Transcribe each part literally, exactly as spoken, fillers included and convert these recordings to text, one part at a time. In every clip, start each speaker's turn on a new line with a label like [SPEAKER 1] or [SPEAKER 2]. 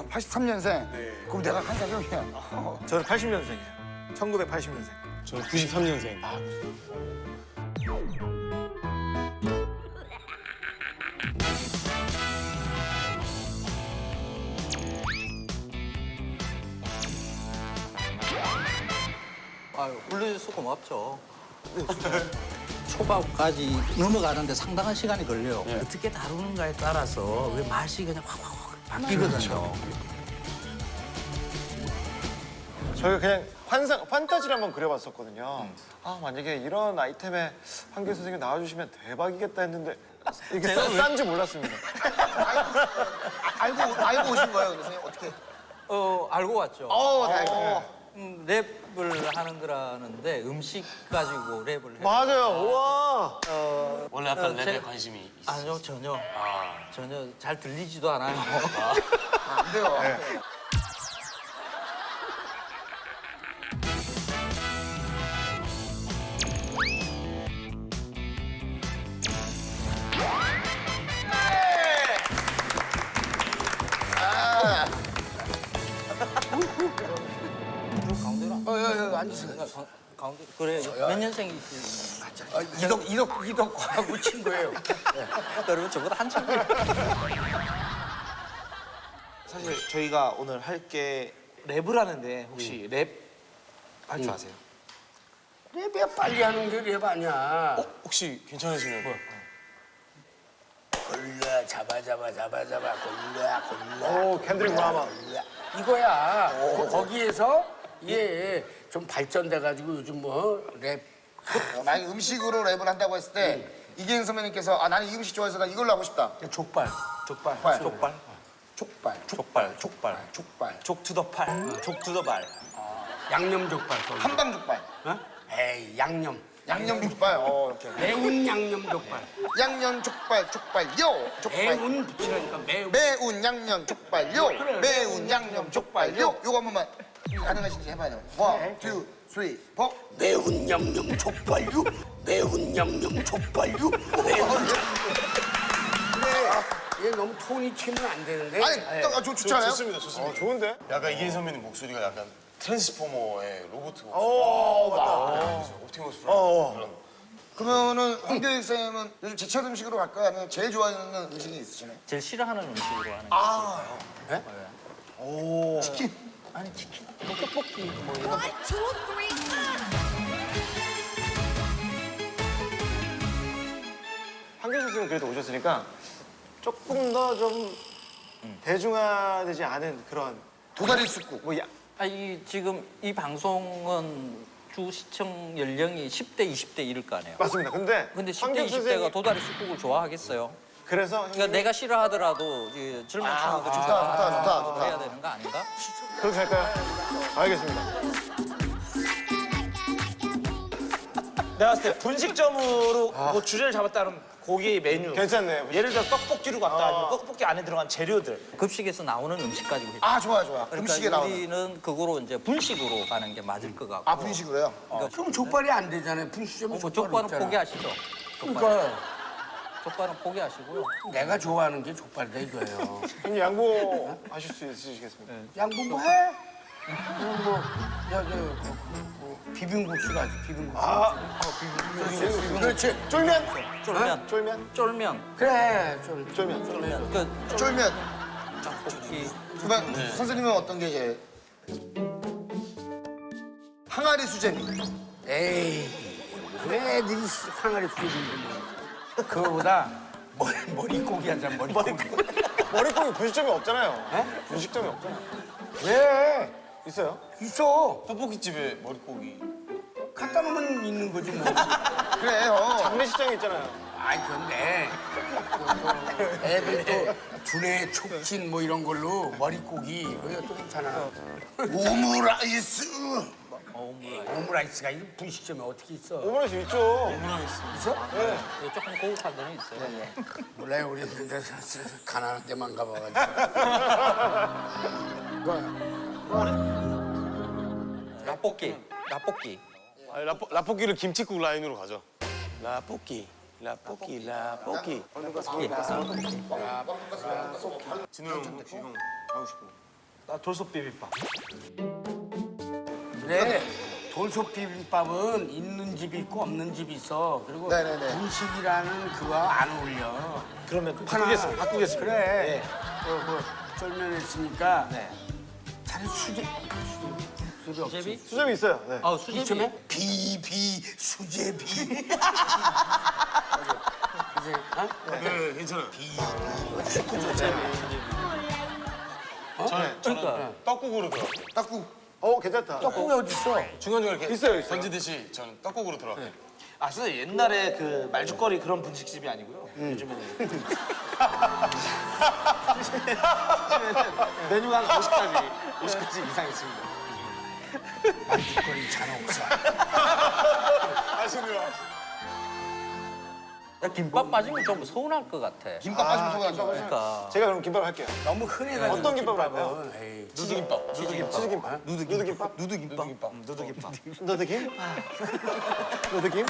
[SPEAKER 1] 아, 팔십삼 년생?
[SPEAKER 2] 네.
[SPEAKER 1] 그럼 내가 한 살 형이야.
[SPEAKER 2] 저는 팔십 년생이에요. 천구백팔십 년생.
[SPEAKER 3] 저는 구십삼 년생. 아,
[SPEAKER 4] 아유, 불러줘서 고맙죠. 초밥까지 넘어가는데 상당한 시간이 걸려요. 어떻게 다루는가에 따라서 왜 맛이 그냥 확확확 바뀌거든요.
[SPEAKER 2] 저희가 그냥 환상, 판타지를 한번 그려봤었거든요. 아, 만약에 이런 아이템에 한길 선생님 나와주시면 대박이겠다 했는데 이게
[SPEAKER 4] 제가 왜-
[SPEAKER 2] 싼지 몰랐습니다.
[SPEAKER 1] 알고, 알고 오신 거예요, 선생님? 어떻게?
[SPEAKER 4] 어, 알고 왔죠.
[SPEAKER 1] 어, 다행이다.
[SPEAKER 4] 음, 랩을 하는 거라는데 음식 가지고 랩을 해요.
[SPEAKER 2] 맞아요. 우와.
[SPEAKER 3] 원래 약간
[SPEAKER 4] 어,
[SPEAKER 3] 랩에
[SPEAKER 4] 제-
[SPEAKER 3] 관심이 있으시죠?
[SPEAKER 4] 아니요, 전혀.
[SPEAKER 3] 아,
[SPEAKER 4] 전혀 잘 들리지도 않아요.
[SPEAKER 1] 안 돼요.
[SPEAKER 4] 가운데로 안
[SPEAKER 1] 어, 여, 여, 앉으세요.
[SPEAKER 4] 가- 가운데 그래 몇 년생이시?
[SPEAKER 1] 아, 이덕, 이덕, 이덕하고 친구예요.
[SPEAKER 4] 그러면 저보다 한참
[SPEAKER 5] 사실 저희가 오늘 할 게 랩을 하는데 혹시 랩 할 줄 아세요?
[SPEAKER 6] 랩이야 빨리 하는 게 랩 아니야.
[SPEAKER 3] 혹시 괜찮으시면 뭐?
[SPEAKER 6] 골라 잡아 잡아 잡아 잡아 골라 골라.
[SPEAKER 2] 오, 캔드릭 라마.
[SPEAKER 6] 골라. 이거야. 거- 거기에서 얘 좀 발전돼가지고 요즘 뭐 랩.
[SPEAKER 1] 만약에 음식으로 랩을 한다고 했을 때 이기현 선배님께서 아 나는 이 음식 좋아해서 나 이걸로 하고 싶다.
[SPEAKER 6] 족발 족발
[SPEAKER 1] 족발.
[SPEAKER 6] 족발 족발
[SPEAKER 5] 족발, 족발,
[SPEAKER 1] 족발.
[SPEAKER 5] 족투더팔, 족투더발.
[SPEAKER 6] 양념 족발. 거기.
[SPEAKER 1] 한방 족발.
[SPEAKER 6] 어? 에이 양념.
[SPEAKER 1] 양념 족발. 어, 이렇게.
[SPEAKER 6] 매운 양념 족발.
[SPEAKER 1] 양념 족발, 족발요. 족발.
[SPEAKER 6] 매운 붙이라니까 매운.
[SPEAKER 1] 매운 양념 족발요. 매운 양념 족발요. 요거 한 번만 가능하신지 해봐요. 원, 투, 쓰리, 포.
[SPEAKER 6] 매운 양념 족발류. 매운 양념 족발류. 매운 양념. 얘 너무 톤이 튀면 안 되는데.
[SPEAKER 1] 아니, 또, 아, 저 좋지 않아요?
[SPEAKER 3] 좋습니다, 좋습니다.
[SPEAKER 2] 어, 좋은데?
[SPEAKER 3] 약간 이기인 선배님 목소리가 약간 트랜스포머의 로봇 목소리.
[SPEAKER 2] 오, 맞다.
[SPEAKER 3] 그죠? 옵티머스 프라임.
[SPEAKER 2] 어.
[SPEAKER 3] 그런.
[SPEAKER 1] 그러면은 황교익 쌤은 요즘 제철 음식으로 갈까요? 아니면 제일 좋아하는 음식이 있으시나요?
[SPEAKER 4] 제일 싫어하는 음식으로 하는 게
[SPEAKER 1] 아,
[SPEAKER 4] 있어요.
[SPEAKER 1] 오, 치킨.
[SPEAKER 4] 아니 치킨, 뭐 떡볶이 뭐 이런 거.
[SPEAKER 7] One, two, three,
[SPEAKER 2] 한길 선생님 그래도 오셨으니까 조금 더 좀 대중화되지 않은 그런
[SPEAKER 1] 도다리 쑥국.
[SPEAKER 2] 뭐 야,
[SPEAKER 4] 아, 이 지금 이 방송은 주 시청 연령이 십 대, 이십 대 이럴 거 아니에요.
[SPEAKER 2] 맞습니다. 근데
[SPEAKER 4] 근데 십 대,
[SPEAKER 2] 황교익
[SPEAKER 4] 이십 대가
[SPEAKER 2] 선생님-
[SPEAKER 4] 도다리 쑥국을 좋아하겠어요?
[SPEAKER 2] 그래서
[SPEAKER 4] 그러니까 내가 싫어하더라도 이 젊은 친구들이
[SPEAKER 1] 좋다, 좋다, 좋다, 좋다.
[SPEAKER 4] 해야 되는 거 아닌가?
[SPEAKER 2] 그렇게 할까요? 알겠습니다.
[SPEAKER 5] 내가 봤을 때 분식점으로 뭐 주제를 잡았다는 고기 메뉴.
[SPEAKER 2] 괜찮네.
[SPEAKER 5] 예를 들어 떡볶이로 갔다 아니면 떡볶이 안에 들어간 재료들.
[SPEAKER 4] 급식에서 나오는 음식 가지고.
[SPEAKER 1] 아, 좋아요, 좋아요.
[SPEAKER 4] 그러니까
[SPEAKER 1] 음식에 나오는.
[SPEAKER 4] 우리는 그거로 이제 분식으로 가는 게 맞을 것 같고.
[SPEAKER 1] 아, 분식으로요?
[SPEAKER 6] 그럼 족발이 안 되잖아요. 분식점은
[SPEAKER 4] 어, 뭐
[SPEAKER 6] 족발
[SPEAKER 4] 족발은
[SPEAKER 6] 없잖아.
[SPEAKER 4] 포기하시죠. 족발은,
[SPEAKER 6] 그러니까
[SPEAKER 4] 족발은 포기하시고요.
[SPEAKER 6] 내가 좋아하는 게 족발이다 이거예요.
[SPEAKER 2] 형님 양보하실 수 있으시겠습니까?
[SPEAKER 6] 양보 뭐 해? 그럼 뭐, 야, 저, 뭐, 비빔국수 가지, 비빔국수. 아, 비빔국수. 그렇지.
[SPEAKER 2] 쫄면?
[SPEAKER 4] 쫄면,
[SPEAKER 2] 쫄면?
[SPEAKER 4] 쫄면.
[SPEAKER 6] 그래, 쫄,
[SPEAKER 2] 쫄면.
[SPEAKER 6] 쫄면.
[SPEAKER 4] 그
[SPEAKER 1] 쫄면.
[SPEAKER 4] 떡볶이.
[SPEAKER 1] 그러면 선생님은 어떤 게 제일? 항아리 수제비.
[SPEAKER 6] 에이, 왜 니들이 항아리 수제비인데 그거보다 머리, 머리고기 하자, 머리고기.
[SPEAKER 2] 머리고기 분식점이 없잖아요.
[SPEAKER 6] 에?
[SPEAKER 2] 분식점이 없잖아요.
[SPEAKER 6] 왜?
[SPEAKER 2] 있어요?
[SPEAKER 6] 있어.
[SPEAKER 3] 떡볶이집에 머릿고기.
[SPEAKER 6] 갖다 놓으면 있는 거지 뭐.
[SPEAKER 1] 그래, 어.
[SPEAKER 2] 장례식장에 있잖아요.
[SPEAKER 6] 아이, 근데 또 애들 또 두뇌 촉진 뭐 이런 걸로 머리고기 그거 또 괜찮아.
[SPEAKER 1] 오므라이스.
[SPEAKER 6] 오므라이스가 이 분식점에 어떻게 있어?
[SPEAKER 2] 오므라이스 있죠.
[SPEAKER 6] 있어?
[SPEAKER 4] 네, 조금 고급한 데는 있어요.
[SPEAKER 6] 몰라요, 우리 근데 가난한 데만 가봐가지고.
[SPEAKER 4] 라볶이, 라볶이.
[SPEAKER 3] 아니, 라포, 라볶이를 김치국 라인으로 가죠. 라볶이, 라볶이, 라볶이. 진호 형 혹시 형 하고 싶은 거?
[SPEAKER 5] 아, 돌솥 비빔밥.
[SPEAKER 6] 그래. 돌솥 비빔밥은 있는 집이 있고 없는 집이 있어. 그리고
[SPEAKER 1] 네네네.
[SPEAKER 6] 분식이라는 그거 안 어울려.
[SPEAKER 5] 그러면
[SPEAKER 6] 바꾸겠습니다.
[SPEAKER 5] 바꾸겠습니다.
[SPEAKER 6] 그래.
[SPEAKER 5] 네.
[SPEAKER 6] 그, 그 쫄면 했으니까
[SPEAKER 5] 네.
[SPEAKER 6] 차라리 수제. 수제비 없지.
[SPEAKER 4] 수제비?
[SPEAKER 2] 수점이 있어요. 네.
[SPEAKER 4] 아, 수제비.
[SPEAKER 6] 이쯤에 비비 수제비. 이제, 어?
[SPEAKER 3] 네, 괜찮아요.
[SPEAKER 4] 저는 그러니까
[SPEAKER 3] 떡국으로 들어갈게요.
[SPEAKER 1] 딱국.
[SPEAKER 2] 어 괜찮다.
[SPEAKER 6] 떡국이 어디 있어?
[SPEAKER 3] 중간중간 이렇게
[SPEAKER 2] 있어요, 있어요.
[SPEAKER 3] 던지듯이 저는 떡국으로 들어갈게요.
[SPEAKER 5] 아, 선생님 옛날에 그 말죽거리 그런 분식집이 아니고요. 요즘에는 요즘에는 메뉴가 한 오십 가지, 오십 가지 이상 있습니다.
[SPEAKER 6] 말죽거리 잔혹사.
[SPEAKER 3] 아시네요.
[SPEAKER 4] 야, 김밥 빠지면 좀 서운할 것 같아.
[SPEAKER 1] 김밥 빠지면 소가죠.
[SPEAKER 4] 그러니까.
[SPEAKER 2] 제가 그럼 김밥 할게요.
[SPEAKER 6] 너무 흔해가지고.
[SPEAKER 2] 어떤 김밥을
[SPEAKER 6] 김밥은. 에이,
[SPEAKER 3] 누드김밥. 누드김밥.
[SPEAKER 2] 치즈김밥. 누드김밥.
[SPEAKER 5] 누드김밥. 누드김밥.
[SPEAKER 2] 누드김? 누드김?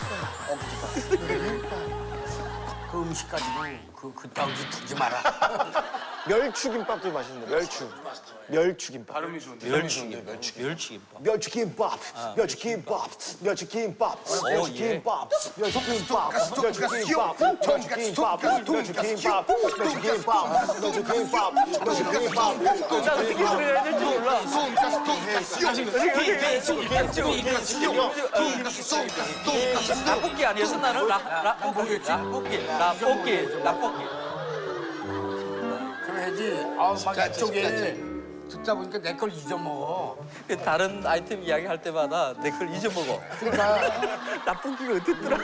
[SPEAKER 6] 그 음식 가지고 그 그따위 짓 하지 마라.
[SPEAKER 2] 멸추김밥도 맛있는데 멸추. 멸추김밥.
[SPEAKER 3] 발음이 좋은데.
[SPEAKER 4] 멸치김밥. 멸치김밥.
[SPEAKER 2] 멸치김밥. 멸치김밥. 멸치김밥. 멸치김밥. 멸치김밥. 멸치김밥. 멸치김밥. 멸치김밥. 멸치김밥. 멸치김밥. 멸치김밥.
[SPEAKER 4] 어떻게 해야 될지 몰라.
[SPEAKER 1] 돈가스 돈가스 돈가스
[SPEAKER 4] 라볶이 아니었어 나는? 라, 라볶이. 라볶이. 라볶이. 라볶이.
[SPEAKER 6] 그래야지. 아, 막
[SPEAKER 1] 자,
[SPEAKER 6] 이쪽에
[SPEAKER 1] 자,
[SPEAKER 6] 듣다 보니까 내 걸 잊어먹어.
[SPEAKER 4] 그 다른 아이템 이야기 할 때마다 내 걸 잊어먹어.
[SPEAKER 6] 그러니까
[SPEAKER 4] 라볶이가 어땠더라?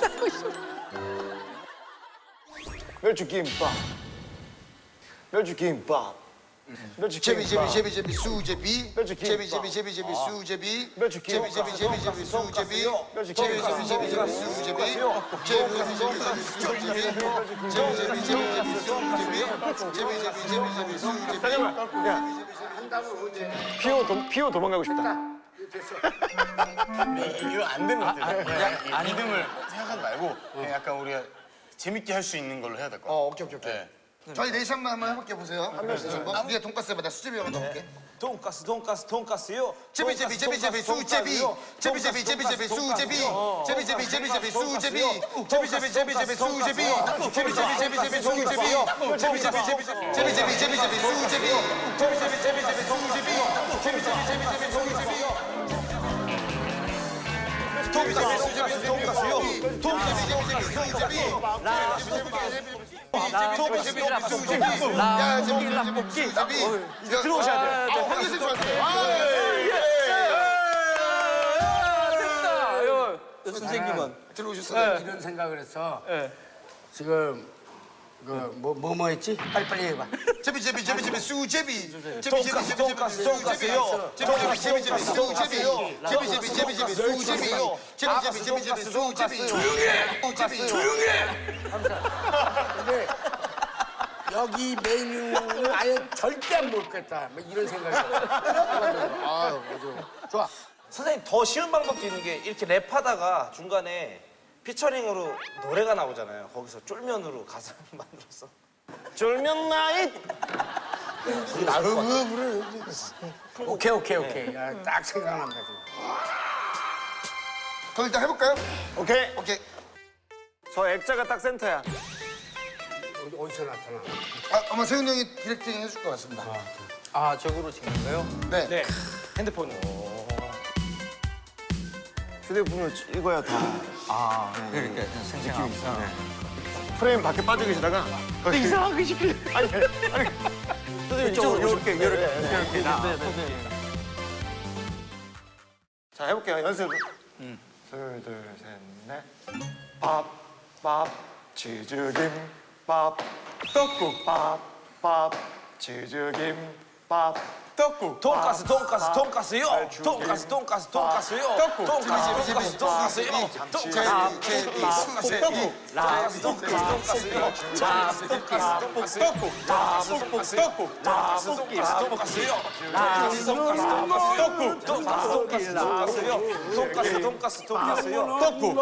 [SPEAKER 2] 멸치김밥. 멸치김밥.
[SPEAKER 1] 제비 제비 제비 제비 수제비
[SPEAKER 2] 멸치김밥.
[SPEAKER 1] 제비 제비 제비 제비 수제비
[SPEAKER 2] 멸치김밥.
[SPEAKER 1] 제비 제비 제비 제비 수제비
[SPEAKER 2] 멸치김밥.
[SPEAKER 1] 제비 제비 제비 제비 수제비 제비 제비 제비 제비 수제비 제비 제비 제비 제비 수제비 제비 제비 제비 제비 수제비
[SPEAKER 2] 잠깐만. 야. 피오 도, 피오 도망가고 싶다.
[SPEAKER 3] 이거 안 되는 것 같아요. 야, 리듬을 생각하지 말고 그냥 약간 우리가 재밌게 할 수 있는 걸로 해야 될 것 같아요.
[SPEAKER 1] 어 오케이 오케이 오케이
[SPEAKER 3] 네.
[SPEAKER 1] 저희 넷이 한번 한번 해볼게 보세요 한 명씩 한번 우리가 돈가스 해봐 나 수제비 한번 넣어볼게
[SPEAKER 5] 돈가스, 돈가스, 돈가스요.
[SPEAKER 1] 제비 제비 제비 제비 수제비 제비 제비 제비 제비 수제비 제비 제비 제비 제비 수제비 제비 제비 제비 제비 수제비 제비 제비 제비 제비 수제비 제비 제비 제비 제비 제비 제비 제비 제비 수제비 제비 제비 제비 제비 수제비 제비 제비 제비 제비 수제비 돈가스 수제비 돈가스요 돈가스 제비 제비 수제비 제비 제비 제비 수제비 야 제비 제비 수제비
[SPEAKER 2] 들어오셔야 돼요.
[SPEAKER 1] 아, 황교수 좋았어요. 아,
[SPEAKER 4] 됐다. 선생님은
[SPEAKER 1] 들어오셨어요.
[SPEAKER 6] 이런 생각을 했어. 지금 그뭐 뭐 뭐 했지? 빨리빨리 해봐.
[SPEAKER 1] 제비 제비 제비 제비 수제비. 제비 제비
[SPEAKER 5] 돈가스,
[SPEAKER 1] 제비
[SPEAKER 5] 돈가스,
[SPEAKER 1] 제비
[SPEAKER 5] 돈가스요.
[SPEAKER 1] 제비 제비 제비 제비 수제비. 제비 제비 제비 제비 수제비. 제비 제비 제비 제비 수제비. 조용해. 제비 조용해.
[SPEAKER 6] 근데 여기 메뉴는 아예 절대 안 먹겠다. 뭐 이런 생각이 들어. 아, 맞아. 좋아.
[SPEAKER 5] 선생님 더 쉬운 방법도 있는 게 이렇게 랩하다가 중간에 피처링으로 노래가 나오잖아요. 거기서 쫄면으로 가사를 만들어서.
[SPEAKER 2] 쫄면 나잇.
[SPEAKER 6] 오케이, 오케이, 오케이. 야, 딱 생각난다. 지금.
[SPEAKER 1] 그럼 일단 해볼까요?
[SPEAKER 2] 오케이.
[SPEAKER 1] 오케이.
[SPEAKER 2] 저 액자가 딱 센터야.
[SPEAKER 6] 어디- 어디서 나타나?
[SPEAKER 1] 아, 아마 세훈 형이 디렉팅 해줄 것 같습니다.
[SPEAKER 4] 아, 저거로 찍는 거요?
[SPEAKER 1] 네.
[SPEAKER 5] 네. 핸드폰으로.
[SPEAKER 2] 휴대폰으로 찍어야 다
[SPEAKER 4] 아, 그러니까 생생하고.
[SPEAKER 2] 프레임 밖에 빠져 계시다가 이상한 거 시키려. 아니 아니. 선생님 이쪽으로 이렇게 이렇게 이렇게. 자 해볼게요 연습. 둘, 둘, 셋, 넷. 밥, 밥, 치즈김, 밥, 떡국, 밥, 밥, 치즈김, 밥, 떡국.
[SPEAKER 5] 돈가스, 돈가스, 돈가스요. 돈가스, 돈가스, 돈가스요.
[SPEAKER 2] 떡국.
[SPEAKER 5] 돈가스, 돈가스, 돈가스요.
[SPEAKER 1] 제비 제비 수제비.
[SPEAKER 5] 돈가스, 돈가스, 돈가스요. 돈가스, 돈가스, 돈가스요.
[SPEAKER 2] 떡국,
[SPEAKER 5] 돈가스, 떡국, 돈가스, 돈가스, 돈가스요. 돈가스, 돈가스, 돈가스요.
[SPEAKER 2] 떡국,
[SPEAKER 5] 돈가스, 돈가스, 돈가스요. 돈가스, 돈가스, 돈가스요.
[SPEAKER 2] 떡국.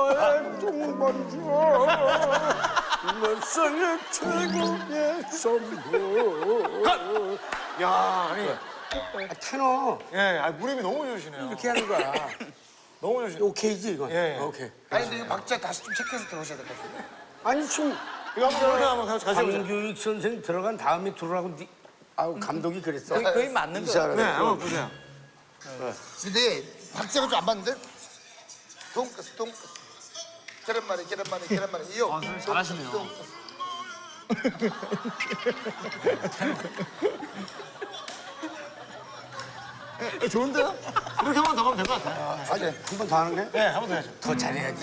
[SPEAKER 6] 내 생애 최고의 선물.
[SPEAKER 2] 야, 아니
[SPEAKER 6] 아, 테너
[SPEAKER 2] 예, 아, 무릎이 너무 좋으시네요.
[SPEAKER 6] 이렇게 하는 거야.
[SPEAKER 2] 너무 좋으시네요.
[SPEAKER 6] 오케이지 이건.
[SPEAKER 2] 예.
[SPEAKER 6] 오케이.
[SPEAKER 1] 아니 근데 이거 박자 다시 좀 체크해서 들어오셔야 될 것 같아요.
[SPEAKER 6] 아니 지금
[SPEAKER 2] 이거 한번 노래 한번 같이 가셔보세요.
[SPEAKER 6] 강교익 선생 들어간 다음에 들어가고 니, 아우 감독이 그랬어.
[SPEAKER 4] 거의, 거의 맞는
[SPEAKER 6] 이
[SPEAKER 4] 거
[SPEAKER 6] 사람.
[SPEAKER 2] 네, 한번 보세요.
[SPEAKER 1] 근데 박자가 좀 안 맞는데? 돈가스 돈가스 계란말이 계란말이 계란말이 이요. 아, 잘하시네요.
[SPEAKER 2] 좋은데요? 이렇게 한 번 더 가면 될 것 같아요.
[SPEAKER 6] 아니 한 번 더 하는 게?
[SPEAKER 2] 네, 한 번 더 해야죠.
[SPEAKER 6] 더 잘해야지.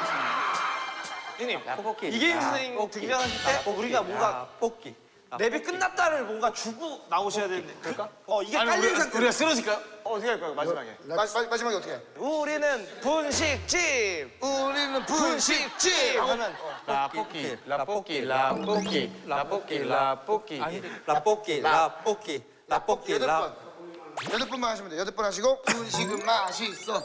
[SPEAKER 5] 형님 이계인 선생님 등장하실 때 우리가 뭔가
[SPEAKER 4] 뽑기.
[SPEAKER 5] 랩이 끝났다를 뭔가 주고 나오셔야 되는데 그럴까? 어 이게 깔린 상태.
[SPEAKER 3] 우리가 쓰러질까요?
[SPEAKER 2] 어, 어떻게 할까요, 마지막에?
[SPEAKER 1] 마, 마, 마지막에 어떻게 해?
[SPEAKER 5] 우리는 분식집.
[SPEAKER 1] 우리는
[SPEAKER 5] 분식집 하면
[SPEAKER 3] 라볶이, 라볶이, 라볶이, 라볶이, 라볶이.
[SPEAKER 4] 아니, 라볶이, 라볶이, 라볶이,
[SPEAKER 1] 여덟
[SPEAKER 4] 라.
[SPEAKER 1] 번. 여덟 번만 하시면 돼요. 여덟 번 하시고 분식은 맛있어.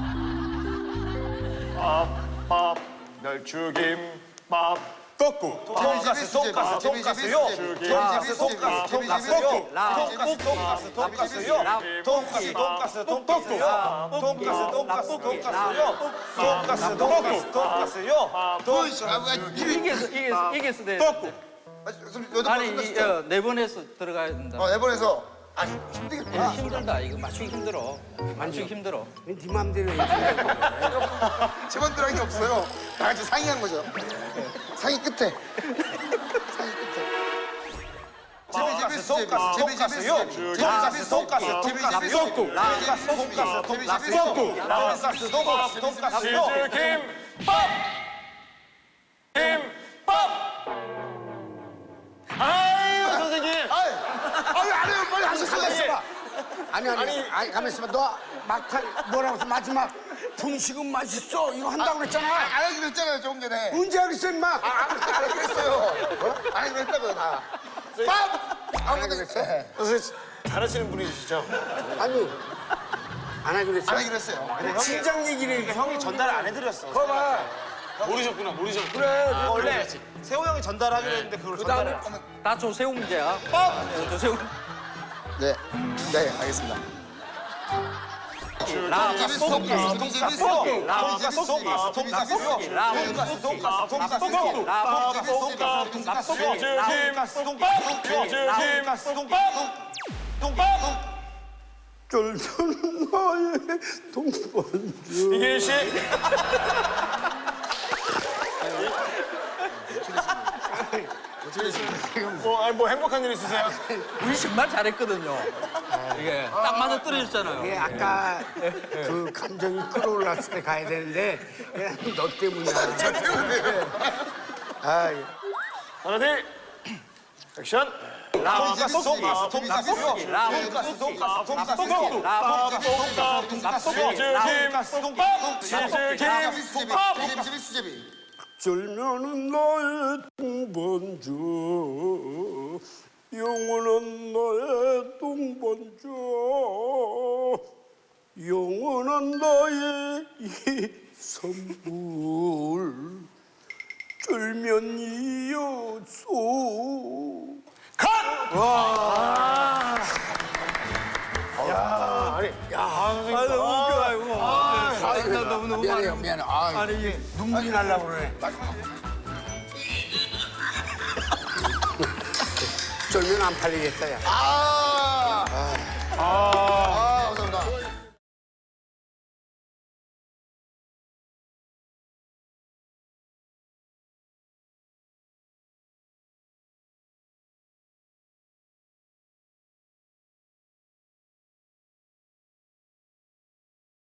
[SPEAKER 2] 밥, 멸치김밥.
[SPEAKER 3] 꺾고.
[SPEAKER 5] 돈가스 돈가스 돈가스요. 돈가스 돈가스 돈가스요. 돈가스 돈가스 돈가스요. 돈가스 돈가스 돈가스요. 돈가스 돈가스 돈가스요. 돈가스 돈가스 돈가스요.
[SPEAKER 1] 분식. 아, 아, 이게
[SPEAKER 4] 이게서, 이게서, 이게서 돼.
[SPEAKER 1] 여덟 번
[SPEAKER 4] 아니, 이,
[SPEAKER 1] 끝났어.
[SPEAKER 4] 어, 네 번에서 들어가야 된다.
[SPEAKER 1] 어, 네 번에서 아
[SPEAKER 4] 예,
[SPEAKER 1] 힘들겠구나.
[SPEAKER 4] 힘들다. 이거 맞추기 힘들어. 맞추기 힘들어.
[SPEAKER 6] 네 맘대로 해.
[SPEAKER 1] 제번 들어간 게 없어요. 다 같이 상의한 거죠. 상의 끝에. 상의 끝에.
[SPEAKER 5] 돈가스 돈가스 돈가스요. 돈가스 돈가스 돈가스요. 돈가스 돈가스 돈가스요. 돈가스 돈가스 돈가스요.
[SPEAKER 2] 김밥! 김밥! 아유, 선생님!
[SPEAKER 1] 아유, 아유 안 해요. 빨리 하셨어요.
[SPEAKER 6] 아니 아니 아니, 아니 가만 있어봐. 너 막판 뭐라고 했어? 마지막 분식은 맛있어 이거 한다고 그랬잖아.
[SPEAKER 1] 안 하기로 했잖아요 조금 전에.
[SPEAKER 6] 언제 하겠어 임마?
[SPEAKER 1] 안 하기로 했어요. 어? 안 하기로 했다고요 다. 밥! 안 하기로 했어.
[SPEAKER 2] 선생님, 잘하시는 분이시죠?
[SPEAKER 6] 아니 안 하기로 했어.
[SPEAKER 1] 안 하기로 했어요.
[SPEAKER 6] 진작 얘기를 해.
[SPEAKER 5] 형이 전달 안 해드렸어.
[SPEAKER 6] 봐봐.
[SPEAKER 3] 모르셨구나, 모르셨구나.
[SPEAKER 6] 그래.
[SPEAKER 5] 원래 세호 형이 전달하기로 했는데 그걸 전달을 안 했어.
[SPEAKER 4] 다 조세호 문제야. 어, 조세호.
[SPEAKER 1] 네, 네 알겠습니다.
[SPEAKER 5] 돈가스 돈가스 돈가스 돈가스 돈가스 돈가스요. 돈가스 돈가스 돈가스요. 돈가스 돈가스 돈가스요. 돈가스 돈가스 돈가스 돈가스
[SPEAKER 6] 쫄쫄 나의 동반주.
[SPEAKER 2] 이계인 씨? 뭐, 아니, 뭐 행복한 일 있으세요?
[SPEAKER 4] 우리 정말 잘했거든요. 이게 딱 맞아 떨어졌잖아요.
[SPEAKER 6] 예, 아까 그 감정이 끌어올랐을 때 가야 되는데 그냥 너 때문이야. 저 때문에. 아, 예.
[SPEAKER 2] 하나, 둘, 액션!
[SPEAKER 5] 돈가스 돈가스 돈가스요. 돈가스 돈가스 돈가스요. 돈가스 돈가스 돈가스 돈가스
[SPEAKER 1] 수제비 수제비.
[SPEAKER 6] 절면은 나의 동반주, 영원한 나의 동반주, 영원한 나의 이 선물, 절면이여소.
[SPEAKER 4] 아, 너무 웃겨, 아이고. 아, 나 너무 너무
[SPEAKER 6] 미안해요, 미안해. 아,
[SPEAKER 4] 아니, 이게
[SPEAKER 6] 눈물이 나려고 그래. 절면 안 팔리겠다, 야.
[SPEAKER 1] 아